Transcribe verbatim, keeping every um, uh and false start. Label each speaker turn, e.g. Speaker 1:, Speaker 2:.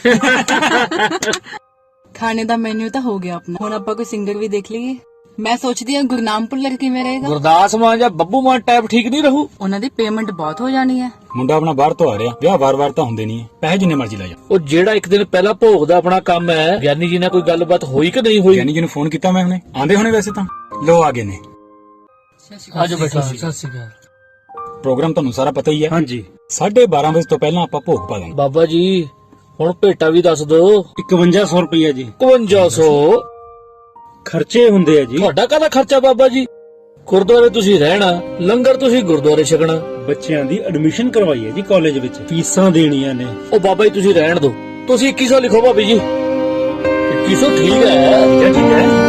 Speaker 1: ਖਾਣੇ ਦਾ ਮੈਨੂ ਤਾਂ ਹੋ ਗਿਆ ਆਪਣਾ, ਹੁਣ ਆਪਾਂ ਕੋਈ ਸਿੰਗਰ ਵੀ ਦੇਖ ਲਈਏ। ਮੈਂ ਸੋਚਦੀ ਹਾਂ ਗੁਰਨਾਮ ਭੁੱਲਰ ਕਿਵੇਂ ਰਹੇਗਾ।
Speaker 2: ਗੁਰਦਾਸ ਮਾਨ ਜਾਂ ਬੱਬੂ ਮਾਨ ਟਾਈਪ ਠੀਕ ਨਹੀਂ ਰਹੂ।
Speaker 1: ਉਹਨਾਂ ਦੀ ਪੇਮੈਂਟ ਬਹੁਤ ਹੋ ਜਾਣੀ ਹੈ।
Speaker 3: ਮੁੰਡਾ ਆਪਣਾ ਬਾਹਰ ਤੋਂ ਆ ਰਿਹਾ, ਵਿਆਹ ਵਾਰ-ਵਾਰ ਤਾਂ ਹੁੰਦੇ ਨਹੀਂ, ਪੈਸੇ ਜਿੰਨੇ ਮਰਜ਼ੀ ਲੈ ਜਾ।
Speaker 2: ਉਹ ਜਿਹੜਾ ਇੱਕ ਦਿਨ ਪਹਿਲਾਂ ਭੋਗ ਦਾ ਆਪਣਾ ਕੰਮ ਹੈ, ਗਿਆਨੀ ਜੀ ਨਾਲ ਕੋਈ ਗੱਲਬਾਤ ਹੋਈ ਕਿ ਨਹੀਂ ਹੋਈ?
Speaker 3: ਗਿਆਨੀ ਜੀ ਨੂੰ ਫੋਨ ਕੀਤਾ ਮੈਂ ਹੁਣੇ, ਆਂਦੇ ਹੋਣੇ ਵੈਸੇ ਤਾਂ। ਲੋ ਆ ਗਏ ਨੇ।
Speaker 2: ਆਜੋ ਬੈਠੋ। ਸਤਿ ਸ਼੍ਰੀ ਅਕਾਲ।
Speaker 3: ਪ੍ਰੋਗਰਾਮ ਤੁਹਾਨੂੰ ਸਾਰਾ ਪਤਾ ਹੀ ਹੈ।
Speaker 4: ਹਾਂਜੀ।
Speaker 3: ਸਾਢੇ ਬਾਰਾਂ ਵਜੇ ਤੋਂ ਪਹਿਲਾਂ ਆਪਾਂ ਭੋਗ ਪਾ ਦਾਂਗੇ।
Speaker 2: ਬਾਬਾ ਜੀ ਹੁਣ ਭੇਟਾ ਵੀ ਦੱਸ ਦੋ।
Speaker 4: ਇਕਵੰਜਾ ਸੌ ਰੁਪਇਆ ਜੀ।
Speaker 2: ਇਕਵੰਜਾ ਸੌ
Speaker 4: ਖਰਚੇ ਹੁੰਦੇ ਆ ਜੀ।
Speaker 2: ਤੁਹਾਡਾ ਕਾਹਦਾ ਖਰਚਾ ਬਾਬਾ ਜੀ? ਗੁਰਦੁਆਰੇ ਤੁਸੀਂ ਰਹਿਣਾ, ਲੰਗਰ ਤੁਸੀਂ ਗੁਰਦੁਆਰੇ ਛਕਣਾ।
Speaker 4: ਬੱਚਿਆਂ ਦੀ ਐਡਮਿਸ਼ਨ ਕਰਵਾਈ ਹੈ ਜੀ ਕਾਲਜ ਵਿੱਚ, ਫੀਸਾਂ ਦੇਣੀਆਂ ਨੇ।
Speaker 2: ਉਹ ਬਾਬਾ ਜੀ ਤੁਸੀਂ ਰਹਿਣ ਦਿਓ, ਤੁਸੀਂ ਇੱਕੀ ਸੌ ਲਿਖੋ ਭਾਬੀ ਜੀ। ਇੱਕੀ ਸੌ ਠੀਕ ਹੈ।
Speaker 4: ਠੀਕ ਹੈ।